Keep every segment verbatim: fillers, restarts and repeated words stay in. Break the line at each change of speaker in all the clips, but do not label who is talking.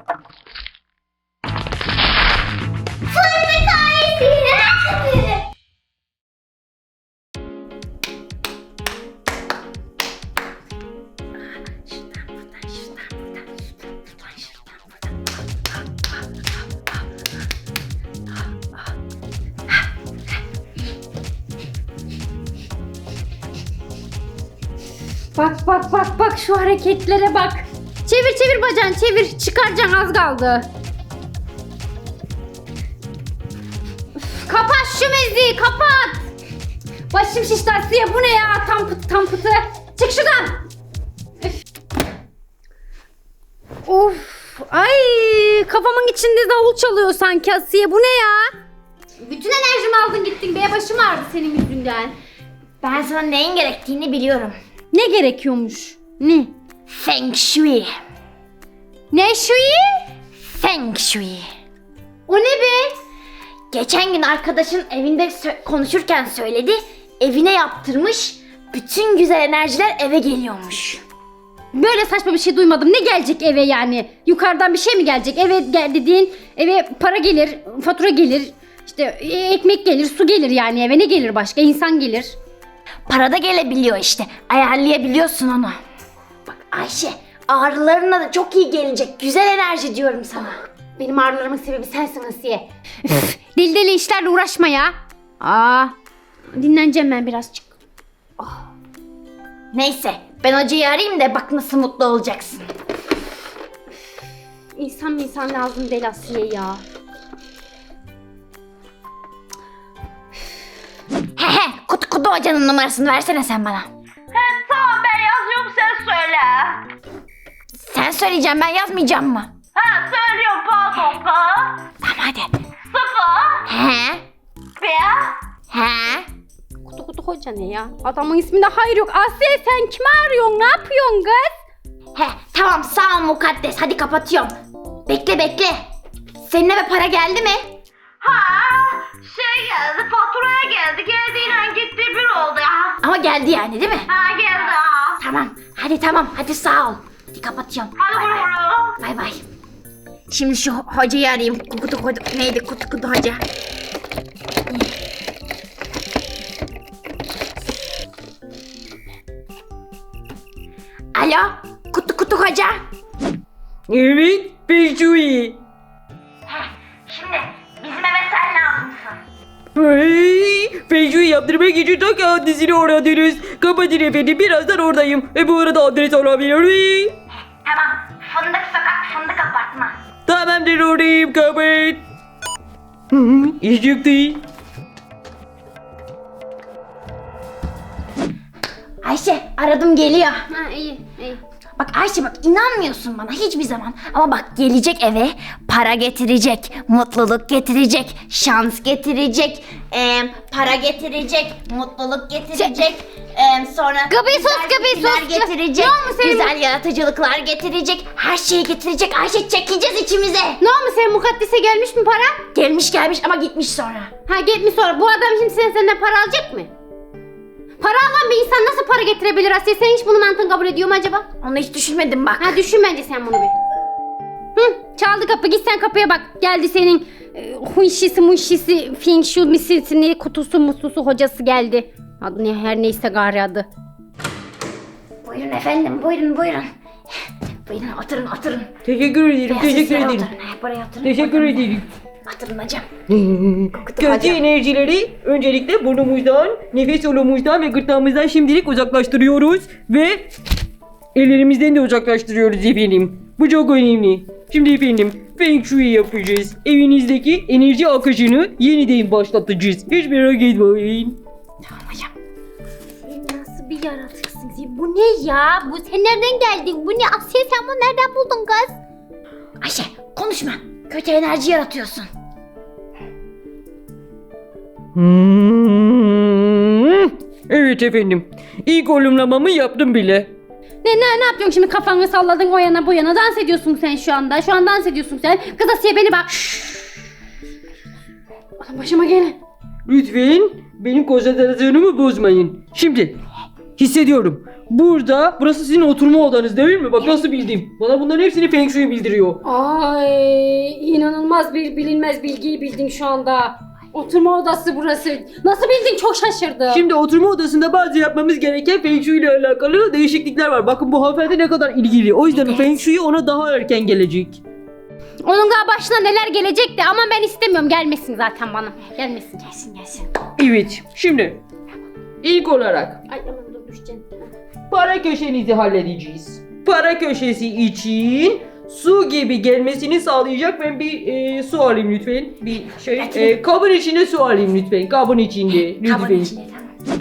Fındık ailesi.
Bak bak bak bak şu hareketlere bak. Çevir çevir bacağını çevir. Çıkaracaksın az kaldı. Üf, kapat şu müziği kapat. Başım şişti Asiye bu ne ya? Tam pıtı tam pıtı. Çık şuradan. Üf. Of. Ay kafamın içinde davul çalıyor sanki Asiye bu ne ya? Bütün enerjimi aldın gittin be, başım ağrıdı senin yüzünden.
Ben sana neyin gerektiğini biliyorum.
Ne gerekiyormuş? Ne?
Feng Shui.
Ne şuyu?
Feng Shui.
O ne be?
Geçen gün arkadaşın evinde sö- konuşurken söyledi. Evine yaptırmış. Bütün güzel enerjiler eve geliyormuş.
Böyle saçma bir şey duymadım. Ne gelecek eve yani? Yukarıdan bir şey mi gelecek? Eve gel dediğin eve para gelir, fatura gelir, işte ekmek gelir, su gelir yani eve ne gelir başka? İnsan gelir.
Para da gelebiliyor işte. Ayarlayabiliyorsun onu. Bak Ayşe, ağrılarına da çok iyi gelecek. Güzel enerji diyorum sana.
Benim ağrılarımın sebebi sensin Asiye. Üf, deli deli işlerle uğraşma ya. Aa, dinleneceğim ben birazcık.
Neyse, ben hocayı arayayım da bak nasıl mutlu olacaksın.
İnsan insan lazım deli Asiye ya.
He he, kutu kutu hocanın numarasını versene sen bana.
He tamam ben yazıyorum sen söyle.
Sen söyleyeceğim, ben yazmayacağım mı?
Ha söylüyorum pardon ka.
Tamam hadi.
Sıfır.
He,
Bir.
he.
Kutu kutu hoca ne ya? Adamın isminde hayır yok. Asiye sen kimi arıyorsun? Ne yapıyorsun kız?
He, tamam sağ ol mukaddes, hadi kapatıyorum. Bekle bekle. Senin eve para geldi mi?
Ha şey geldi faturaya geldi. Geldiğiyle gitti bir oldu ya.
Ama geldi yani değil mi?
Ha geldi ha.
Tamam, hadi tamam, hadi sağ ol. Hadi kapatıyorum.
Hadi
Bay
vur
bay.
vur.
Bay bay. Şimdi şu hocayı arayayım. Kutu kutu neydi kutu kutu hoca. Alo, kutu kutu hoca.
Evet, Feng Shui.
Şimdi bizim eve sen lazımsın.
Hey, Feng Shui yaptırmak için tak adresini aradınız. Kapatın efendim, birazdan oradayım. E bu arada adres alabilir miyim?
Tamam fındık sokak fındık apartman.
Tamamdır, oradayım, kapat. Hı hı, iş çıktı.
Ayşe, aradım geliyor.
Ha iyi iyi.
Bak Ayşe bak, inanmıyorsun bana hiçbir zaman. Ama bak gelecek eve, para getirecek, mutluluk getirecek, şans getirecek, eee, para getirecek, mutluluk getirecek, eee, sonra
Gabi sus,
güzel
Gabi
fikirler
sus.
getirecek,
Ne olmuş senin
güzel yaratıcılıklar getirecek, her şeyi getirecek. Ayşe çekeceğiz içimize.
Ne olmuş senin mukaddise gelmiş mi para?
Gelmiş gelmiş ama gitmiş sonra.
Ha gitmiş sonra. Bu adam şimdi sen senden para alacak mı? Para alan bir insan nasıl para getirebilir Asiye? Sen hiç bunu mantığın kabul ediyor mu acaba?
Onu hiç düşünmedim bak.
Ha düşün bence sen bunu bir. Hı, çaldı kapı, git sen kapıya bak. Geldi senin e, hunşisi munşisi feng shui misisi kutusu mususu hocası geldi. Adı ne her neyse gari adı.
Buyurun efendim, buyurun buyurun. Buyurun oturun oturun.
Teşekkür ederim,
Beyaz
teşekkür
sesle
ederim.
Oturun, he, buraya oturun.
Teşekkür
Oturun.
ederim.
Oturun hocam.
Kötü enerjileri öncelikle burnumuzdan, nefes yolumuzdan ve gırtlağımızdan şimdilik uzaklaştırıyoruz ve ellerimizden de uzaklaştırıyoruz efendim. Bu çok önemli. Şimdi efendim Feng Shui yapacağız. Evinizdeki enerji akışını yeniden başlatacağız. Hiç merak etmeyin.
Tamam hocam.
Sen nasıl bir yaratıksın? Bu ne ya? Bu sen nereden geldin? Bu ne Asiye, sen bunu nereden buldun kız?
Ayşe konuşma. Kötü enerji yaratıyorsun.
Hmm. Evet efendim. İlk olumlamamı yaptım bile.
Ne ne ne yapıyorsun şimdi, kafanı salladın o yana bu yana, dans ediyorsun sen şu anda. Şu an dans ediyorsun sen. Kız Asiye beni bak. Adam başıma gelen.
Lütfen benim konsantrasyonumu bozmayın. Şimdi hissediyorum. Burada, burası sizin oturma odanız değil mi? Bak nasıl bildim. Bana bunların hepsini Feng Shui bildiriyor.
Ay inanılmaz bir bilinmez bilgiyi bildin şu anda. Oturma odası burası. Nasıl bildin? Çok şaşırdım.
Şimdi oturma odasında bazı yapmamız gereken Feng Shui ile alakalı değişiklikler var. Bakın bu hanımefendi ne kadar ilgili. O yüzden Feng Shui ona daha erken gelecek.
Onun daha başına neler gelecekti ama ben istemiyorum. Gelmesin zaten bana. Gelmesin. Gelsin gelsin.
Evet. Şimdi ilk olarak
Ay aman dur düşeceksin.
para köşenizi halledeceğiz. Para köşesi için su gibi gelmesini sağlayacak. Ben bir e, su alayım lütfen. Bir şey e, kabın içinde su alayım lütfen. Kabın içinde lütfen.
Kabın içinde tamam.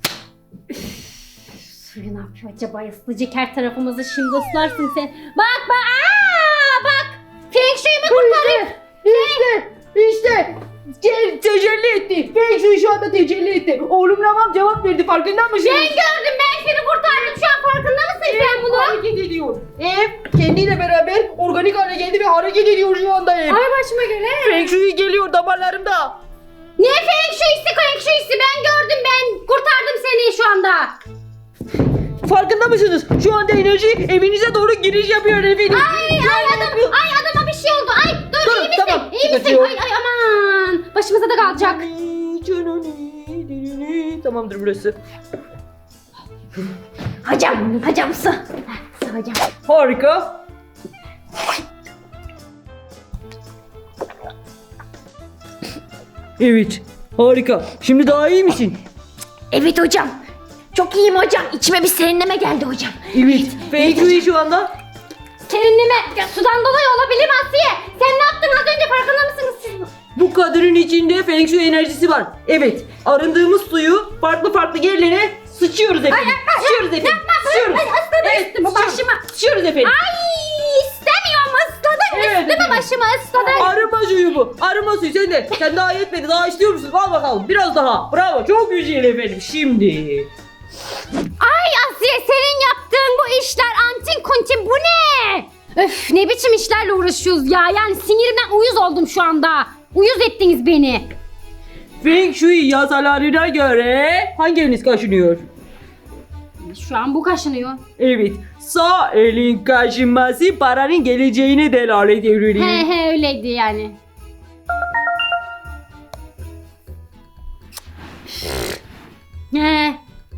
Suyu ne yapıyor acaba? Islayacak her tarafımızı, şimdi ıslarsın sen. Bak bak. Aa, bak. Feng Shui'mi kurtarayım.
İşte, işte te- tecelli etti. Feng Shui şu anda tecelli etti. Oğlum tamam cevap verdi, farkında mısın?
Ben gördüm, ben seni kurtardım. Şu an farkında mısın sen bunu?
Hareket ediyor. Ev kendiyle beraber organik hale geldi ve hareket ediyor şu anda ev.
Ay başıma göre.
Feng Shui geliyor damarlarımda.
Ne Feng Shui'si Feng Shui'si? Ben gördüm, ben kurtardım seni şu anda.
Farkında mısınız? Şu anda enerji evinize doğru giriş yapıyor efendim.
Ay ay adam, ay adama bir şey oldu. Ay dur,
Dur,
iyi misin?
tamam,
iyi misin?
sıkıntı yok.
Ay ay aman. Başımıza da kalacak.
Tamamdır burası.
Hocam, hocam su. Ha, su hocam.
Harika. Evet, harika. Şimdi daha iyi misin?
Evet hocam. Çok iyiyim hocam. İçime bir serinleme geldi hocam.
Evet. Feng Shui şu anda.
Serinleme ya, sudan dolayı olabilir mi Asiye? Sen ne yaptın az önce, farkında mısınız siz?
Bu kadının içinde Feng Shui enerjisi var. Evet, arındığımız suyu farklı farklı yerlere sıçıyoruz efendim. Sıçıyoruz efendim. Sıçıyoruz.
Ay ısladı
Evet,
üstümü
sıçıyoruz.
başıma.
Sıçıyoruz efendim.
Ay istemiyorum, ısladın
Evet,
üstümü
efendim.
başıma ısladın.
Arınma suyu bu. Arınma suyu. Sen de. Sen daha yetmedi. Daha istiyor musun? Al bakalım. Biraz daha. Bravo. Çok güzel efendim. Şimdi.
Ay Asiye, senin yaptığın bu işler antin kuntin, bu ne? Öf, ne biçim işlerle uğraşıyoruz ya, yani sinirimden uyuz oldum şu anda. Uyuz ettiniz beni.
Feng Shui yasalarına göre hangi eliniz kaşınıyor?
Şu an bu kaşınıyor.
Evet. Sağ elin kaşınması paranın geleceğine delalet ediyor.
He he öyleydi yani. He.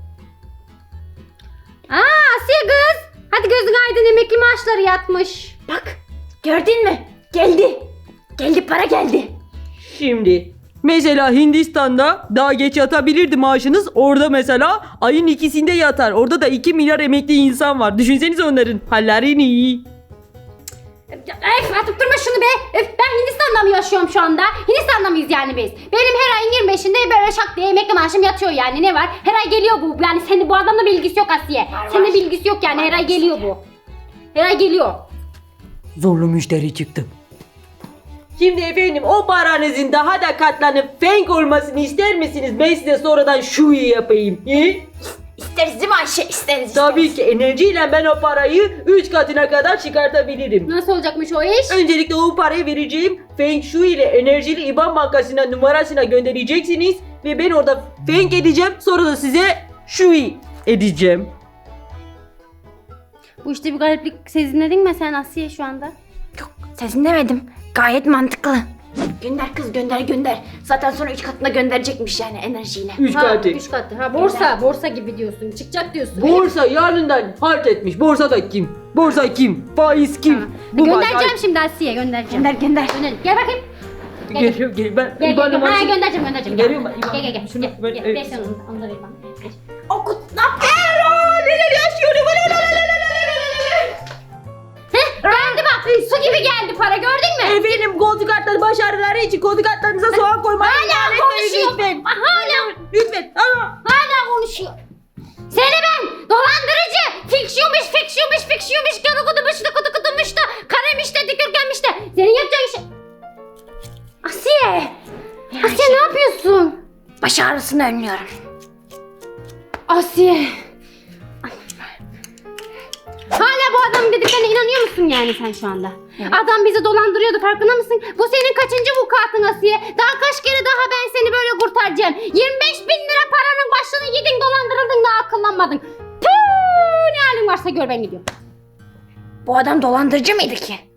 Aa Asiye kız. Hadi gözün aydın, emekli maaşları yatmış.
Bak gördün mü? Geldi. Geldi, para geldi.
Şimdi mesela Hindistan'da daha geç yatabilirdi maaşınız. Orada mesela ayın ikisinde yatar. Orada da iki milyar emekli insan var. Düşünsenize onların hallerini.
Öf, atıp durma şunu be. Öf, ben Hindistan'da mı yaşıyorum şu anda? Hindistan'da mıyız yani biz? Benim her ayın yirmi beşinde böyle şak diye emekli maaşım yatıyor yani, ne var? Her ay geliyor bu. Yani senin bu adamla bilgisi yok Asiye. Senin
var.
bilgisi yok yani, her ay geliyor bu. Her ay geliyor.
Zorlu müşteri çıktı. Şimdi efendim o paranızın daha da katlanıp feng olmasını ister misiniz? Ben size sonradan Shui yapayım. He?
İsteriz değil mi Ayşe? İsteriz.
Tabii ki enerjiyle ben o parayı üç katına kadar çıkartabilirim.
Nasıl olacakmış o iş?
Öncelikle o parayı vereceğim. Feng Shui ile enerjili İban Bankası'na numarasına göndereceksiniz. Ve ben orada feng edeceğim. Sonra da size Shui edeceğim.
Bu işte bir gariplik sezinledin mi sen Asiye şu anda?
Yok, sesin demedim. Gayet mantıklı. Gönder kız, gönder gönder. Zaten sonra üç katına gönderecekmiş yani enerjiyle.
Üç
Ha,
katı.
üç katı. Ha borsa, borsa gibi diyorsun. Çıkacak diyorsun.
Borsa yarından halt etmiş. Borsa da kim? Borsa kim? Faiz kim?
Tamam.
Bu
Göndereceğim
faiz-
şimdi Asiye, göndereceğim.
Gönder gönder.
Gönderin. Gel bakayım. Gel, gel.
Geliyor, gel. Ben
Gel
İban
gel gel. Ha
numarası-
göndereceğim, göndereceğim.
Geliyorum ben, İban.
Gel gel gel.
Şunu
Gel,
ben-
gel.
evet.
Ver sen onu. Onu da ver bana. Ver.
Okut, ne yaptın?
Neler yaşıyorum?
Heh, geldi bak. Su gibi geldi para, gördün mü?
Efendim koltuk kartları başarıları için koltuk kartlarınıza soğan koymayı
Hala
ihmal etmeyin
konuşuyor.
lütfen.
Hala,
Lütfen. Aa.
hala konuşuyor. Seni ben dolandırıcı. Fiksiyonmuş, fiksiyonmuş, fiksiyonmuş. Kanı kudumuş da kudu kudumuş da. Karemiş de dikürgenmiş de. Senin yapacağın şey... Asiye. Asiye ne yapıyorsun?
Baş ağrısını önlüyorum.
Asiye. Hala bu adamın dediklerine inanıyor musun yani sen şu anda? Adam bizi dolandırıyordu, farkında mısın? Bu senin kaçıncı vukuatın Asiye? Daha kaç kere daha ben seni böyle kurtaracağım? yirmi beş bin lira paranın başını yedin, dolandırıldın, daha akıllanmadın. Püh, ne halin varsa gör, ben gidiyorum.
Bu adam dolandırıcı mıydı ki?